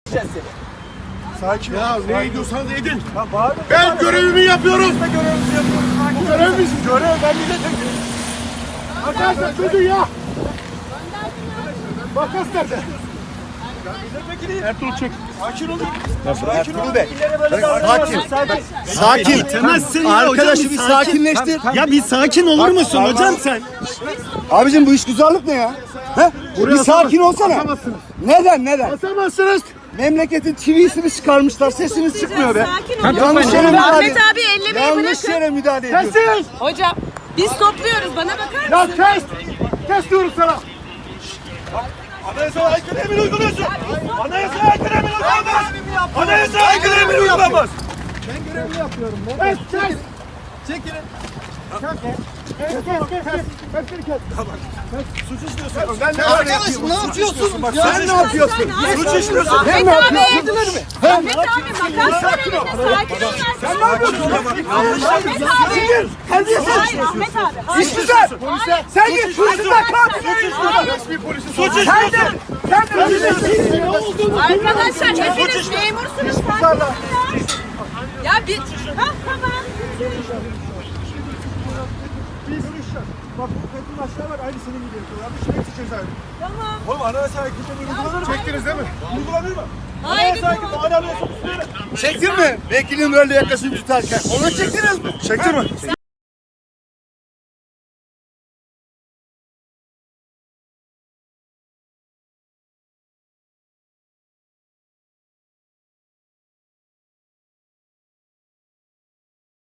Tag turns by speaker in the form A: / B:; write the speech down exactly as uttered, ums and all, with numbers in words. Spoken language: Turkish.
A: Sakin ol.
B: Ya ne ediyorsanız edin.
A: Ya bağırma.
B: Ben görevimi yapıyorum.
A: Biz de görevimizi yapıyoruz. Sakin ol.
B: Görev misin?
A: Görev ben milletvekiliyim.
B: Arkadaşlar çözün ya. Makas nerede?
A: Milletvekiliyim.
B: Ertuğrul çek.
A: Sakin olun.
C: Ertuğrul Bey.
A: Sakin.
C: Sakin.
A: Sakin.
C: Temezsin
A: ya hocam,
C: Arkadaşı
A: bir
C: bir
A: sakin.
C: sakinleştir.
A: Tamam,
C: Ya bir sakin olur musun
A: Tamam.
C: hocam sen?
D: Abicim bu iş güzellik ne ya? He? Bir sakin olsana.
B: Basamazsınız.
D: Neden neden?
B: Basamazsınız.
D: Memleketin çivisini çıkarmışlar, sesiniz çıkmıyor be.
E: Sakin olun.
D: Yanlış yere müdahale
E: Ahmet abi ellemeyi
D: Yanlış
E: bırakın.
D: yere müdahale ediyorsun.
B: Kes.
E: Hocam biz topluyoruz, bana bakar
B: Ya
E: mısın?
B: kes. Kes diyorum sana.
A: Anayasaya aykırı emir uyguluyorsun. Anayasaya aykırı emir uygulamaz. Anayasaya aykırı emir uygulamaz.
B: Kes. Kes.
A: Çekilin.
B: Kes. Kes. Kes. Kes. Kes. Kes.
A: Suç işliyorsun.
B: Ben ne
A: Arkadaşım ne yapıyorsun?
D: Bak sen ne yapıyorsun?
A: Suç işliyorsun.
E: Ahmet
D: ne
E: abi.
D: yapıyorsun?
E: Ahmet abi makas var elinde, sakin ol.
A: Sen ne yapıyorsun?
E: Ahmet abi. Hayır Ahmet abi. Hayır.
D: İş güzel.
E: Hayır.
D: Sen git polisinden kalk.
B: bir polisin
A: Suç
D: Sen
A: işliyorsun.
D: de. Sen de.
B: ne olduğunu
E: Arkadaşlar hepiniz memursunuz. Sakin olun ya. Ya bir... Ha tamam.
B: biz bak bu kadın aşağı var aynı senin gibi yapıyor. Yanlış hepsi cezaevi.
E: Tamam.
A: Oğlum anayasaya aykırı emir uygulanır mı?
B: Çektiniz değil mi?
A: Uygulanır mı?
E: Hayır.
A: Anayasaya aykırı anayasaya üstüne.
D: Çektin mi? Vekilim böyle yakasını tutarken. Onu çektiniz mi?
B: Çektin mi?